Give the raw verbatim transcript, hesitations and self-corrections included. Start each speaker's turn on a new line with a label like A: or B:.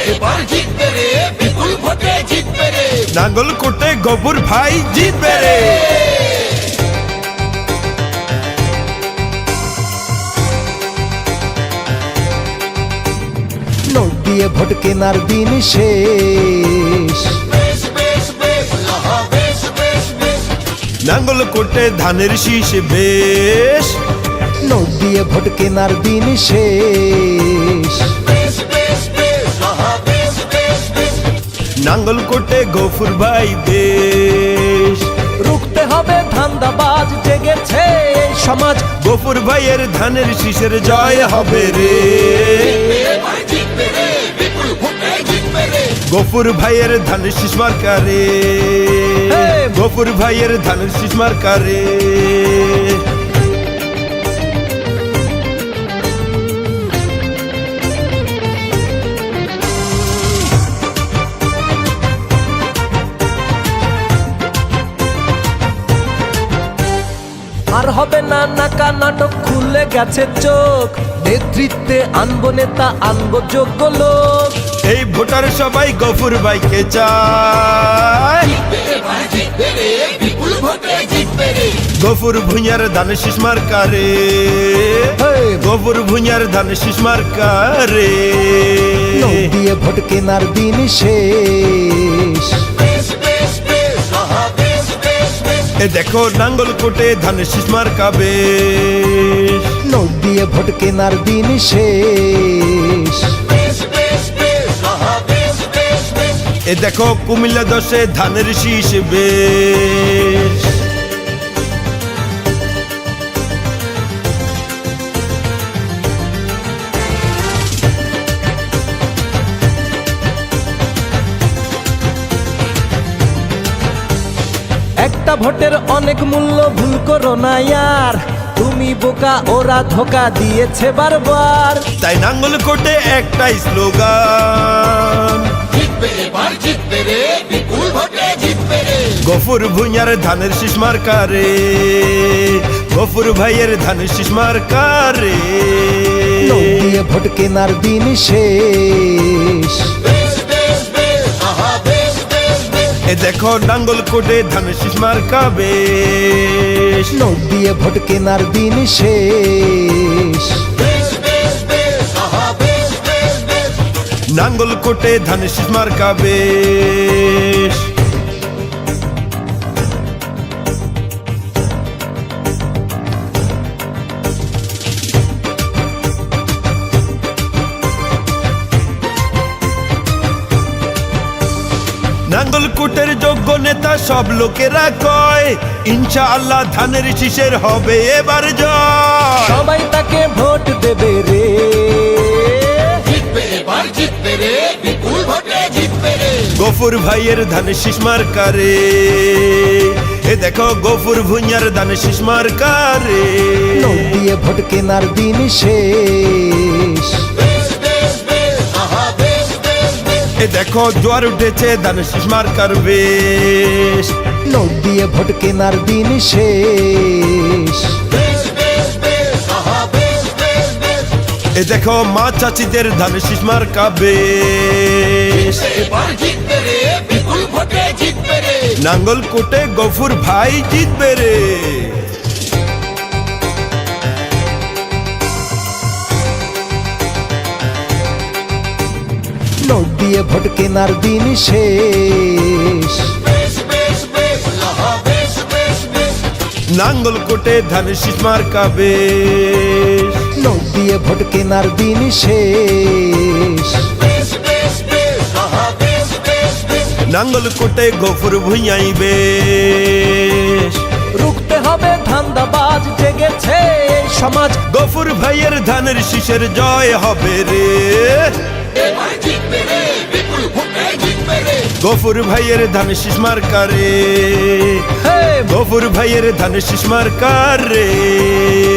A: এবার জিতবে রে, বিপুল ভোটে জিতবে রে,
B: নাঙ্গলকোটে গফুর ভাই জিতবে রে।
C: নোট দিয়ে ভোট কেনার দিন শেষ,
A: বেশ বেশ বেশ, আহা বেশ বেশ বেশ,
B: নাঙ্গলকোটে ধানের শীষ বেশ,
C: নোট দিয়ে ভোট কেনার দিন শেষ,
A: বেশ বেশ বেশ, আহা বেশ বেশ বেশ,
B: নাঙ্গলকোটে গফুর ভাই বেশ।
C: রুখতে হবে ধান্দাবাজ, জেগেছে এই সমাজ,
B: গফুর ভাইয়ের ধানের শীষের জয় হবে রে।
A: এবার জিতবে রে, বিপুল ভোটে জিতবে রে,
B: গফুর ভাইয়ের ধানের শীষ মার্কা রে, গফুর ভাইয়ের ধানের শীষ মার্কা রে।
C: আর হবে না নাকা নাটক, খুলে গেছে চোখ, নেতৃত্বে আনবো নেতা, আনবো যোগ্য লোক।
B: এই ভোটার সবাই গফুর ভাইকে চায়,
A: এবার জিতবে রে, বিপুল ভোটে জিতবে রে,
B: গফুর ভুঁইয়ার ধানের শীষ মার্কা রে, গফুর ভুঁইয়ার ধানের শীষ মার্কা রে।
C: নোট দিয়ে ভোট কেনার দিন শেষ,
A: বেশ বেশ বেশ, আহা বেশ বেশ বেশ,
B: এ দেখো নাঙ্গলকোটে ধানের শীষ মার্কা বেশ,
C: নোট দিয়ে ভোট কেনার দিন শেষ,
A: বেশ বেশ বেশ, আহা বেশ বেশ বেশ,
B: এ দেখো কুমিল্লা দশে ধানের শীষ বেশ।
C: একটা ভোটের অনেক মূল্য, ভুল করো না ইয়ার, তুমি বোকা ওরা ধোকা দিয়েছে বারবার।
B: তাই নাঙ্গলকোটে একটাই স্লোগান,
A: জিতবে এবার জিতবে রে, বিপুল ভোটে জিতবে রে,
B: গফুর ভুঁইয়ার ধানের শীষ মার্কা রে, গফুর ভাইয়ের ধানের শীষ মার্কা রে।
C: নোট দিয়ে ভোট কেনার দিন শেষ,
A: বেশ বেশ বেশ, আহা বেশ বেশ বেশ,
B: এ দেখো নাঙ্গলকোটে ধানের শীষ মার্কা বেশ,
C: নোট দিয়ে ভোট কেনার দিন শেষ,
A: বেশ বেশ বেশ, আহা বেশ বেশ বেশ,
B: নাঙ্গলকোটে ধানের শীষ মার্কা বেশ। নাঙ্গলকোটের যোগ্য নেতা সব লোকেরা কয়, ইনশাআল্লাহ ধানের শীষের হবে এবার জয়।
C: সবাই তাকে ভোট দেবে রে,
A: জিতবে এবার জিতবে রে, বিপুল ভোটে জিতবে রে,
B: গফুর ভাইয়ের ধানের শীষ মার্কা রে, এ দেখো গফুর ভুঁইয়ার ধানের শীষ মার্কা রে।
C: নোট দিয়ে ভোট কেনার দিন শেষ,
A: বেশ বেশ বেশ, আহা বেশ বেশ বেশ,
B: এ দেখো জোয়ার উঠেছে ধানের শীষ মার্কার বেশ,
C: নোট দিয়ে ভোট কেনার দিন শেষ,
A: বেশ বেশ বেশ, আহা বেশ বেশ বেশ,
B: এ দেখো মা চাচিদের ধানের শীষ মার্কা বেশ।
A: এবার জিতবে রে, বিপুল ভোটে জিতবে রে,
B: নাঙ্গলকোটে গফুর ভাই জিতবে রে।
C: নোট দিয়ে ভোট কেনার দিন শেষ,
A: বেশ বেশ বেশ, আহা বেশ বেশ বেশ,
B: নাঙ্গলকোটে ধানের শীষ মার্কা বেশ,
C: নোট দিয়ে ভোট কেনার দিন শেষ,
A: বেশ বেশ বেশ, আহা বেশ বেশ বেশ,
B: নাঙ্গলকোটে গফুর ভুঁইয়াই বেশ।
C: রুখতে হবে ধান্দাবাজ, জেগেছে এই সমাজ,
B: গফুর ভাইয়ের ধানের শীষের জয় হবে রে,
A: এবার জিতবে রে, বিপুল ভোটে জিতবে রে,
B: গফুর ভাইয়ের ধানের শীষ মার্কা রে,
C: হে
B: গফুর ভাইয়ের ধানের শীষ মার্কা রে।